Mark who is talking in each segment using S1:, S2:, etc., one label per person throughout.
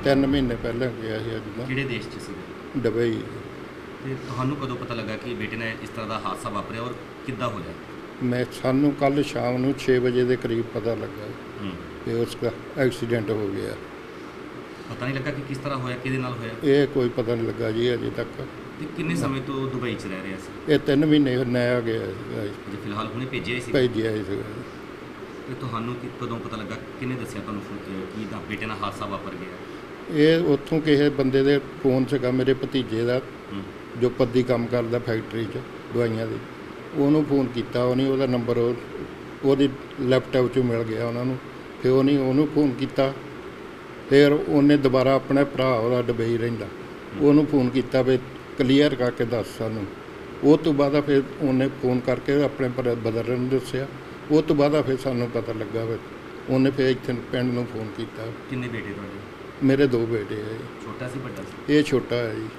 S1: 3 ਮਹੀਨੇ ਪਹਿਲਾਂ ਗਿਆ ਸੀ ਅੱਜ ਦਾ।
S2: ਕਿਹੜੇ ਦੇਸ਼ 'ਚ ਸੀ?
S1: ਦੁਬਈ।
S2: ਤੇ ਤੁਹਾਨੂੰ ਕਦੋਂ ਪਤਾ ਲੱਗਾ ਕਿ ਬੇਟੇ ਨੇ ਇਸ ਤਰ੍ਹਾਂ ਦਾ ਹਾਦਸਾ ਵਾਪਰਿਆ ਔਰ ਕਿੱਦਾਂ ਹੋਇਆ?
S1: ਸਾਨੂੰ ਕੱਲ ਸ਼ਾਮ ਨੂੰ 6 ਵਜੇ ਦੇ ਕਰੀਬ ਪਤਾ ਲੱਗਾ ਕਿ ਉਸਦਾ ਐਕਸੀਡੈਂਟ ਹੋ ਗਿਆ।
S2: ਪਤਾ ਨਹੀਂ ਲੱਗਾ ਕਿ ਕਿਸ ਤਰ੍ਹਾਂ ਹੋਇਆ, ਕਿਹਦੇ ਨਾਲ ਹੋਇਆ?
S1: ਇਹ ਕੋਈ ਪਤਾ ਨਹੀਂ ਲੱਗਾ ਜੀ ਅਜੇ ਤੱਕ।
S2: ਤੇ ਕਿੰਨੇ ਸਮੇਂ ਤੋਂ ਦੁਬਈ 'ਚ ਰਹਿ ਰਿਹਾ ਸੀ?
S1: ਇਹ 3 ਮਹੀਨੇ ਨਇਆ ਗਿਆ ਸੀਗਾ ਜੀ।
S2: ਜੇ ਫਿਲਹਾਲ ਹੁਣੇ ਭੇਜਿਆ ਸੀ?
S1: ਭੇਜਿਆ ਹੀ ਸੀਗਾ।
S2: ਤੇ ਤੁਹਾਨੂੰ ਕਦੋਂ ਪਤਾ ਲੱਗਾ, ਕਿਹਨੇ ਦੱਸਿਆ ਤੁਹਾਨੂੰ ਕਿ ਤਾਂ ਬੇਟੇ ਨਾਲ ਹਾਦਸਾ ਵਾਪਰ ਗਿਆ?
S1: ਇਹ ਉੱਥੋਂ ਕਿਸੇ ਬੰਦੇ ਦੇ ਫੋਨ ਸੀਗਾ, ਮੇਰੇ ਭਤੀਜੇ ਦਾ, ਜੋ ਪੱਦੀ ਕੰਮ ਕਰਦਾ ਫੈਕਟਰੀ 'ਚ ਦਵਾਈਆਂ ਦੀ। ਉਹਨੂੰ ਫੋਨ ਕੀਤਾ, ਉਹਦਾ ਨੰਬਰ ਉਹਦੀ ਲੈਪਟਾਪ 'ਚੋਂ ਮਿਲ ਗਿਆ ਉਹਨਾਂ ਨੂੰ। ਫਿਰ ਉਹਨੂੰ ਫੋਨ ਕੀਤਾ। ਫਿਰ ਉਹਨੇ ਦੁਬਾਰਾ ਆਪਣੇ ਭਰਾ, ਉਹਦਾ ਦੁਬਈ ਰਹਿੰਦਾ, ਉਹਨੂੰ ਫੋਨ ਕੀਤਾ ਵੀ ਕਲੀਅਰ ਕਰਕੇ ਦੱਸ ਸਾਨੂੰ। ਉਹ ਤੋਂ ਬਾਅਦ ਫਿਰ ਉਹਨੇ ਫੋਨ ਕਰਕੇ ਆਪਣੇ ਬ੍ਰਦਰ ਨੂੰ ਦੱਸਿਆ। ਉਹ ਤੋਂ ਬਾਅਦ ਫਿਰ ਸਾਨੂੰ ਪਤਾ ਲੱਗਾ ਵੀ ਉਹਨੇ ਫਿਰ ਇੱਥੇ ਪਿੰਡ ਨੂੰ ਫੋਨ ਕੀਤਾ।
S2: ਕਿੰਨੇ ਬੇਟੇ ਤੁਹਾਡੇ?
S1: ਮੇਰੇ 2 ਬੇਟੇ ਆ ਜੀ।
S2: ਛੋਟਾ ਸੀ ਵੱਡਾ ਸੀ?
S1: ਇਹ ਛੋਟਾ ਹੈ ਜੀ।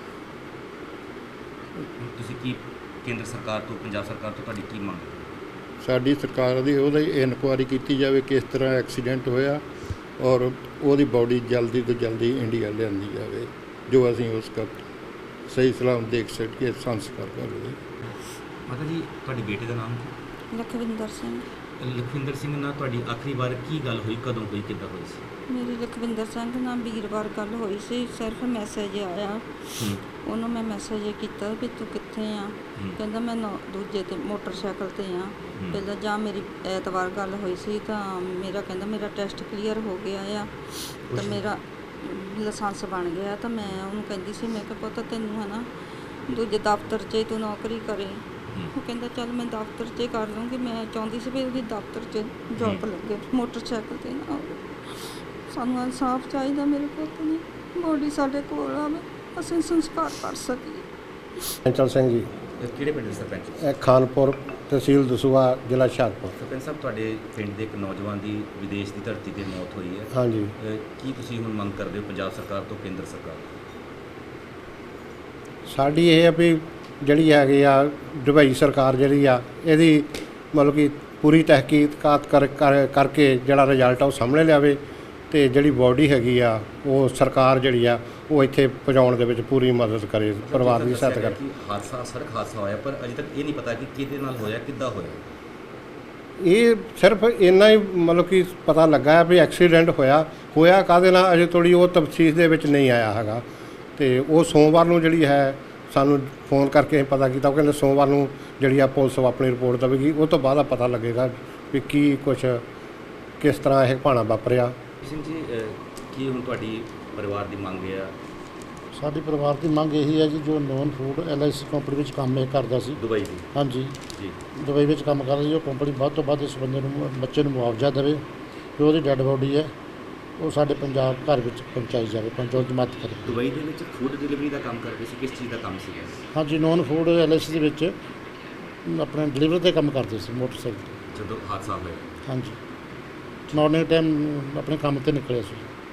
S2: ਤੁਸੀਂ ਕੀ ਕੇਂਦਰ ਸਰਕਾਰ ਤੋਂ, ਪੰਜਾਬ ਸਰਕਾਰ ਤੋਂ ਤੁਹਾਡੀ ਕੀ ਮੰਗ?
S1: ਸਾਡੀ ਸਰਕਾਰ ਦੀ ਉਹਦੀ ਇਨਕੁਆਇਰੀ ਕੀਤੀ ਜਾਵੇ ਕਿਸ ਤਰ੍ਹਾਂ ਐਕਸੀਡੈਂਟ ਹੋਇਆ, ਔਰ ਉਹਦੀ ਬਾਡੀ ਜਲਦੀ ਤੋਂ ਜਲਦੀ ਇੰਡੀਆ ਲਿਆਂਦੀ ਜਾਵੇ, ਜੋ ਅਸੀਂ ਉਸ ਦਾ ਸਹੀ ਸਲਾਮ ਦੇਖ ਸਕੀਏ, ਸੰਸਕਾਰ ਕਰਦੇ।
S2: ਮਾਤਾ ਜੀ, ਤੁਹਾਡੇ ਬੇਟੇ ਦਾ ਨਾਮ ਕੀ?
S3: ਲਖਵਿੰਦਰ ਸਿੰਘ।
S2: ਲਖਵਿੰਦਰ ਸਿੰਘ ਨਾਲ ਤੁਹਾਡੀ ਆਖਰੀ ਵਾਰ ਕੀ ਗੱਲ ਹੋਈ, ਕਦੋਂ ਹੋਈ, ਕਿੱਦਾਂ ਹੋਈ ਸੀ?
S3: ਮੇਰੀ ਲਖਵਿੰਦਰ ਸਿੰਘ ਨਾਲ ਵੀਰਵਾਰ ਗੱਲ ਹੋਈ ਸੀ। ਸਿਰਫ ਮੈਸੇਜ ਆਇਆ, ਉਹਨੂੰ ਮੈਂ ਮੈਸੇਜ ਕੀਤਾ ਵੀ ਤੂੰ ਕਿੱਥੇ ਆ? ਕਹਿੰਦਾ ਮੈਂ ਦੂਜੇ ਤੇ ਮੋਟਰਸਾਈਕਲ ਤੇ ਆ। ਪਹਿਲਾਂ ਜਾਂ ਮੇਰੀ ਐਤਵਾਰ ਗੱਲ ਹੋਈ ਸੀ ਤਾਂ ਕਹਿੰਦਾ ਮੇਰਾ ਟੈਸਟ ਕਲੀਅਰ ਹੋ ਗਿਆ ਆ ਤਾਂ ਮੇਰਾ ਲਾਇਸੈਂਸ ਬਣ ਗਿਆ। ਤਾਂ ਮੈਂ ਉਹਨੂੰ ਕਹਿੰਦੀ ਸੀ, ਮੈਂ ਕਿਹਾ ਪੁੱਤ ਤੈਨੂੰ ਹੈ ਨਾ ਦੂਜੇ ਦਫ਼ਤਰ 'ਚ ਤੂੰ ਨੌਕਰੀ ਕਰੇ। ਉਹ ਕਹਿੰਦਾ ਚੱਲ ਮੈਂ ਦਫ਼ਤਰ 'ਚ ਕਰ ਲੂੰਗੀ। ਮੈਂ ਚਾਹੁੰਦੀ ਸੀ ਵੀ ਉਹਦੀ ਦਫ਼ਤਰ 'ਚ ਜੌਬ ਲੱਗੇ, ਮੋਟਰਸਾਈਕਲ 'ਤੇ ਨਾ ਹੋਵੇ। ਸਾਨੂੰ ਇਨਸਾਫ ਚਾਹੀਦਾ, ਮੇਰੇ ਪੁੱਤ ਨੇ ਬੋਡੀ ਸਾਡੇ ਕੋਲ ਆਵੇ, ਅਸੀਂ ਸੰਸਕਾਰ ਕਰ ਸਕੀਏ।
S4: ਚੰਚਲ ਸਿੰਘ ਜੀ।
S2: ਕਿਹੜੇ ਪਿੰਡ ਦੇ ਸਰਪੰਚ?
S4: ਇਹ ਖਾਨਪੁਰ, ਤਹਿਸੀਲ ਦਸੂਹਾ, ਜ਼ਿਲ੍ਹਾ ਹੁਸ਼ਿਆਰਪੁਰ।
S2: ਸਰਪੰਚ ਸਾਹਿਬ, ਤੁਹਾਡੇ ਪਿੰਡ ਦੇ ਇੱਕ ਨੌਜਵਾਨ ਦੀ ਵਿਦੇਸ਼ ਦੀ ਧਰਤੀ 'ਤੇ ਮੌਤ ਹੋਈ ਹੈ।
S4: ਹਾਂਜੀ।
S2: ਕੀ ਤੁਸੀਂ ਹੁਣ ਮੰਗ ਕਰਦੇ ਹੋ ਪੰਜਾਬ ਸਰਕਾਰ ਤੋਂ, ਕੇਂਦਰ ਸਰਕਾਰ ਤੋਂ?
S4: ਸਾਡੀ ਇਹ ਆ ਵੀ ਜਿਹੜੀ ਹੈਗੀ ਆ ਦੁਬਈ ਸਰਕਾਰ ਜਿਹੜੀ ਆ, ਇਹਦੀ ਮਤਲਬ ਕਿ ਪੂਰੀ ਤਹਿਕੀਕਾਤ ਕਰਕੇ ਜਿਹੜਾ ਰਿਜ਼ਲਟ ਆ ਉਹ ਸਾਹਮਣੇ ਲਿਆਵੇ, ਅਤੇ ਜਿਹੜੀ ਬਾਡੀ ਹੈਗੀ ਆ ਉਹ ਸਰਕਾਰ ਜਿਹੜੀ ਆ ਉਹ ਇੱਥੇ ਪਹੁੰਚਾਉਣ ਦੇ ਵਿੱਚ ਪੂਰੀ ਮਦਦ ਕਰੇ, ਪਰਿਵਾਰ ਦੀ ਸਹਾਇਤਾ ਕਰੇ।
S2: ਹਾਦਸਾ, ਸੜਕ ਹਾਦਸਾ ਹੋਇਆ, ਪਰ ਅਜੇ ਤੱਕ ਇਹ ਨਹੀਂ ਪਤਾ ਕਿ ਕਿਹਦੇ ਨਾਲ ਹੋਇਆ, ਕਿੱਦਾਂ ਹੋਇਆ।
S4: ਇਹ ਸਿਰਫ ਇੰਨਾ ਹੀ ਮਤਲਬ ਕਿ ਪਤਾ ਲੱਗਾ ਵੀ ਐਕਸੀਡੈਂਟ ਹੋਇਆ ਕਾਹਦੇ ਨਾਲ, ਅਜੇ ਥੋੜ੍ਹੀ ਉਹ ਤਫਸੀਲ ਦੇ ਵਿੱਚ ਨਹੀਂ ਆਇਆ ਹੈਗਾ। ਅਤੇ ਉਹ ਸੋਮਵਾਰ ਨੂੰ ਜਿਹੜੀ ਹੈ ਸਾਨੂੰ ਫੋਨ ਕਰਕੇ ਅਸੀਂ ਪਤਾ ਕੀਤਾ। ਉਹ ਕਹਿੰਦੇ ਸੋਮਵਾਰ ਨੂੰ ਜਿਹੜੀ ਆ ਪੁਲਿਸ ਆਪਣੀ ਰਿਪੋਰਟ ਦੇਵੇਗੀ, ਉਹ ਤੋਂ ਬਾਅਦ ਪਤਾ ਲੱਗੇਗਾ ਵੀ ਕੀ ਕੁਛ ਕਿਸ ਤਰ੍ਹਾਂ ਇਹ ਭਾਣਾ ਵਾਪਰਿਆ।
S2: ਸਿੰਘ ਜੀ, ਕੀ ਹੁਣ ਤੁਹਾਡੀ ਪਰਿਵਾਰ ਦੀ ਮੰਗ ਹੈ?
S5: ਸਾਡੀ ਪਰਿਵਾਰ ਦੀ ਮੰਗ ਇਹੀ ਹੈ ਜੀ, ਜੋ ਨੋਨ ਫੂਡ LIC ਕੰਪਨੀ ਵਿੱਚ ਕੰਮ ਇਹ ਕਰਦਾ ਸੀ
S2: ਦੁਬਈ ਦੀ।
S5: ਹਾਂਜੀ
S2: ਜੀ।
S5: ਦੁਬਈ ਵਿੱਚ ਕੰਮ ਕਰਦਾ ਸੀ। ਉਹ ਕੰਪਨੀ ਵੱਧ ਤੋਂ ਵੱਧ ਇਸ ਬੰਦੇ ਨੂੰ, ਬੱਚੇ ਨੂੰ ਮੁਆਵਜ਼ਾ ਦੇਵੇ, ਜੋ ਉਹਦੀ ਡੈੱਡ ਬੋਡੀ ਹੈ ਉਹ ਸਾਡੇ ਪੰਜਾਬ ਘਰ ਵਿੱਚ ਪਹੁੰਚਾਈ ਜਾਵੇ, ਪਹੁੰਚਾਉਣ ਦੀ ਮਦਦ ਕਰੇ।
S2: ਦੁਬਈ ਦੇ ਵਿੱਚ ਫੂਡ ਡਿਲੀਵਰੀ ਦਾ ਕੰਮ ਕਰਦੇ ਸੀ, ਕਿਸ ਚੀਜ਼ ਦਾ ਕੰਮ ਸੀਗਾ?
S5: ਹਾਂਜੀ, ਨੋਨ ਫੂਡ LIC ਦੇ ਵਿੱਚ ਆਪਣੇ ਡਿਲੀਵਰੀ ਦਾ ਕੰਮ ਕਰਦੇ ਸੀ ਮੋਟਰਸਾਈਕਲ 'ਤੇ।
S2: ਜਦੋਂ ਹਾਦਸਾ ਹੋਇਆ?
S5: ਹਾਂਜੀ, ਮਾਰਨਿੰਗ ਟਾਈਮ ਆਪਣੇ ਕੰਮ 'ਤੇ ਨਿਕਲਿਆ ਸੀ।